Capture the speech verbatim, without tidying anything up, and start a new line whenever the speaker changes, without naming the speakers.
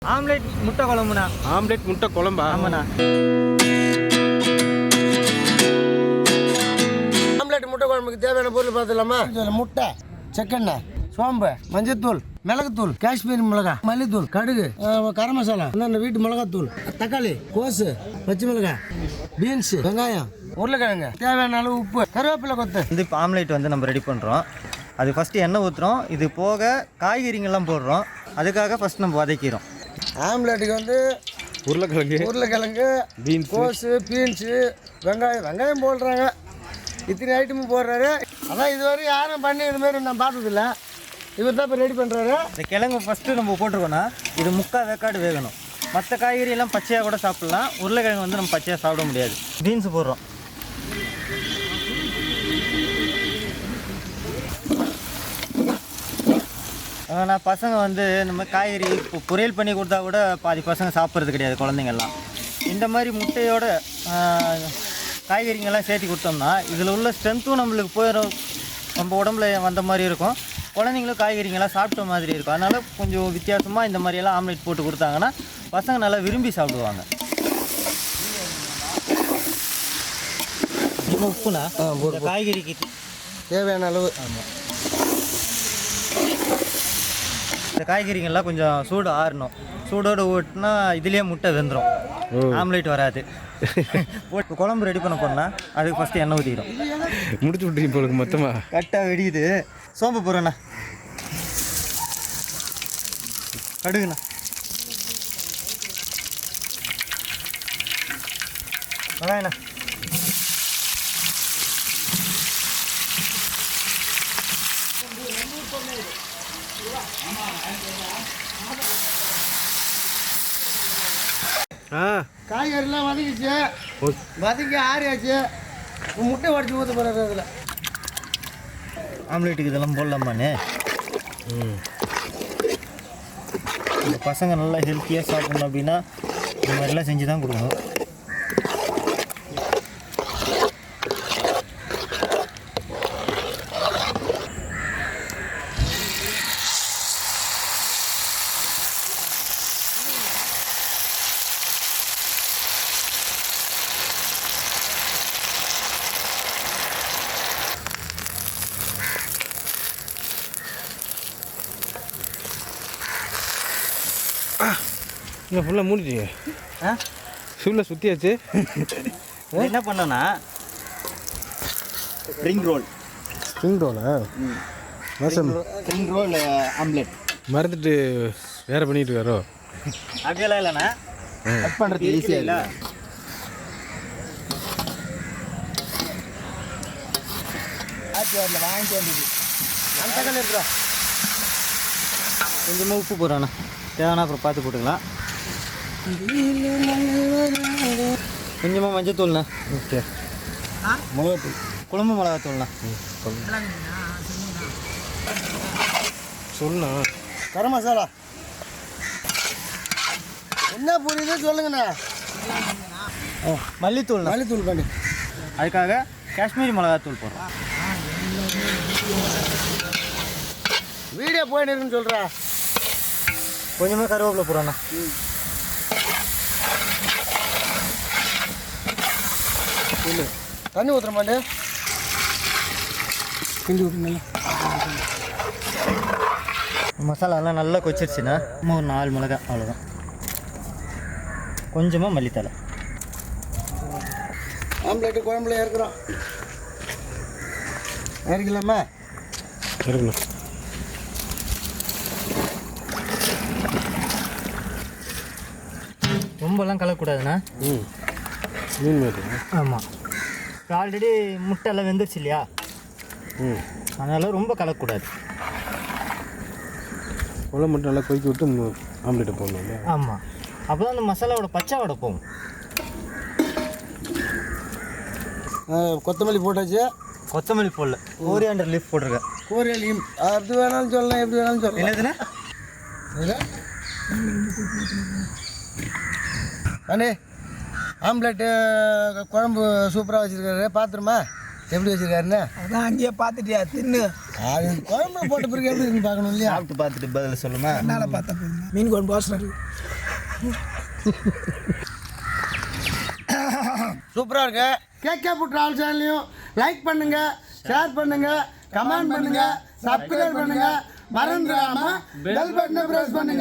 Omelette முட்டை குழம்புண்ணா.
Omelette முட்டை குழம்பா?
ஆமாண்ணா.
ஆம்லெட் முட்டை குழம்புக்கு தேவையான பொருள் பார்த்துலாமா? முட்டை, செக்கெண்ணெய், சோம்பு, மஞ்சத்தூள், மிளகுத்தூள், காஷ்மீரி மிளகாய், மல்லித்தூள், கடுகு, கரம் மசாலா, இந்த வீட்டு மிளகாத்தூள், தக்காளி, கோசு, பச்சை மிளகாய், பீன்ஸு, வெங்காயம், உருளைக்கிழங்கு, தேவையான அளவு உப்பு, கருவேப்பிலை கொத்து.
வந்து இப்போ ஆம்லேட் வந்து நம்ம ரெடி பண்ணுறோம். அது ஃபஸ்ட்டு எண்ணெய் ஊற்றுறோம். இது போக காய்கறிங்கெல்லாம் போடுறோம். அதுக்காக ஃபஸ்ட் நம்ம வதக்கிறோம்.
ஆம்லேட்டுக்கு வந்து
உருளைக்கிழங்கு,
உருளைக்கிழங்கு,
பீன்ஸ்,
கோஸு, பீன்ஸு, வெங்காயம் வெங்காயம் போடுறாங்க. இத்தனை ஐட்டமும் போடுறாரு. அதான் இதுவரை யாரும் பண்ணி இது மாதிரி நான் பார்த்ததில்ல. இவர் தான் இப்போ ரெடி பண்ணுறாரு.
இந்த கிழங்கு ஃபஸ்ட்டு நம்ம போட்டிருக்கோன்னா இது முக்கால் வேக்காடு வேகணும். மற்ற காய்கறி எல்லாம் பச்சையாக கூட சாப்பிட்லாம். உருளைக்கிழங்கு வந்து நம்ம பச்சையாக சாப்பிட முடியாது. பீன்ஸ் போடுறோம். ஆனால் பசங்க வந்து நம்ம காய்கறி இப்போ பொரியல் பண்ணி கொடுத்தா கூட பாதி பசங்க சாப்பிட்றது கிடையாது குழந்தைங்கள்லாம். இந்த மாதிரி முட்டையோட காய்கறிங்கெல்லாம் சேர்த்து கொடுத்தோம்னா இதில் உள்ள ஸ்ட்ரென்த்தும் நம்மளுக்கு போயிடும், நம்ம உடம்புல வந்த மாதிரி இருக்கும். குழந்தைங்களும் காய்கறிங்கெல்லாம் சாப்பிட்ட மாதிரி இருக்கும். அதனால் கொஞ்சம் வித்தியாசமாக இந்த மாதிரியெல்லாம் ஆம்லேட் போட்டு கொடுத்தாங்கன்னா பசங்க நல்லா விரும்பி சாப்பிடுவாங்க. உப்புனா காய்கறிக்கு
தேவையான அளவு.
ஆமாம், இந்த காய்கறிங்கள்லாம் கொஞ்சம் சூடு ஆறணும். சூடோடு ஓட்டுனா இதுலேயே முட்டை வெந்துடும், ஆம்லேட் வராது. போட்டு குழம்பு ரெடி பண்ண போனால் அதுக்கு ஃபஸ்ட்டு எண்ணெய் ஊற்றிடும்.
முடிச்சு விட்றீங்க போலுக்கு மொத்தமாக.
கரெக்டாக வெடிக்குது. சோம்பு போடுறேண்ணா, கடுகுண்ணா, வெங்காயண்ணா,
ஆ
காய்கறிலாம் வதக்கிச்சு, வதக்கி ஆறியாச்சு. முட்டை உடச்சி ஊற்ற போகிறாரு அதில்.
ஆம்லேட்டுக்கு இதெல்லாம் போடலாமாண்ணே?
ம்,
இந்த பசங்க நல்லா ஹெல்த்தியாக சாப்பிட்ணும் அப்படின்னா இந்த மாதிரிலாம் செஞ்சு தான் கொடுக்கணும்.
இங்கே ஃபுல்லாக மூடிட்டீங்க.
ஆ
ஃபுல்லாக சுற்றியாச்சு.
என்ன பண்ணோன்னா ஸ்ப்ரிங் ரோல்.
ஸ்ப்ரிங் ரோலா? மசம்
ஸ்ப்ரிங் ரோல் ஆம்லேட்
மறந்துட்டு வேறு பண்ணிட்டு இருக்காரோ?
அப்படியெல்லாம் இல்லைண்ணா, கட் பண்ணுறது ஈஸியாக இல்லை. ஆச்சு வரல வாங்கிட்டு வந்தது.
அந்த தக்காளி இருக்கிறோம்.
கொஞ்சமாக உப்பு போடுறோண்ணா, தேவைன்னா அப்புறம் பார்த்து போட்டுக்கலாம். கொஞ்சமாக மஞ்சத்தூள்ண்ணா.
ஓகே.
மிளகாத்தூள்,
குழம்பு மிளகாத்தூள்ண்ணா.
சொல்லா.
கரம் மசாலா. என்ன புரியுது சொல்லுங்கண்ணா.
மல்லித்தூள்ண்ணா.
மல்லித்தூள் பண்ணி
அதுக்காக காஷ்மீரி மிளகாத்தூள் போடுறோம்.
வீடியோ போயின்னு இருக்குன்னு சொல்கிறா.
கொஞ்சமாக கருவேப்பிலை போடுறோண்ணா.
இல்லை தண்ணி ஊற்றுற மாட்டே கிண்டி ஊற்றுங்களா.
மசாலாலாம் நல்லா கொச்சிருச்சுன்னா இன்னும் ஒரு நாலு மிளகாய் அவ்வளோதான். கொஞ்சமாக மல்லித்தலை.
ஆம்லேட்டு குழம்புல இறக்குறோம். இறக்கலாமா?
இருக்கணும்.
ரொம்பலாம் கலக்கக்கூடாதுண்ணா.
ம், மீன் மாதிரி.
ஆமாம், இப்போ ஆல்ரெடி முட்டை எல்லாம் வெந்துருச்சு இல்லையா?
ம்,
அதனால் ரொம்ப கலக்கக்கூடாது.
குழம்பு மட்டும் நல்லா கொதிக்க விட்டு ஆம்லேட்டை போடணும் இல்லையா?
ஆமாம், அப்போ தான் அந்த மசாலாவோட பச்சை வடை போகும்.
கொத்தமல்லி போட்டாச்சு.
கொத்தமல்லி போடல, கோரியாண்டர் லீஃப் போட்டிருக்கேன்.
கோரியல் லீம் அது வேணாலும் சொல்லலாம், எப்படி வேணாலும் சொல்லலாம்.
என்னதுண்ணா?
அண்ணே ஆம்லேட்டு குழம்பு சூப்பராக வச்சுருக்காரு. பார்த்துருமா எப்படி வச்சுருக்காருன்னு?
அதான் அங்கேயே பார்த்துட்டியா தின்னு.
அது குழம்புல போட்ட பிறகு எப்படி இருக்குன்னு பார்க்கணும் இல்லையா?
சாப்பிட்டு பார்த்துட்டு பதில் சொல்லுமா?
என்னால் பார்த்தா போதும். மீன் குழம்பு வாசனை இருக்கு.
சூப்பராக இருக்கு. கேகே ஃபுட் ட்ராவல் சேனலையும் லைக் பண்ணுங்க, ஷேர் பண்ணுங்க, கமெண்ட் பண்ணுங்க, சப்ஸ்கிரைப் பண்ணுங்க, மறந்துடாம பெல் பட்டனை பிரஸ் பண்ணுங்க.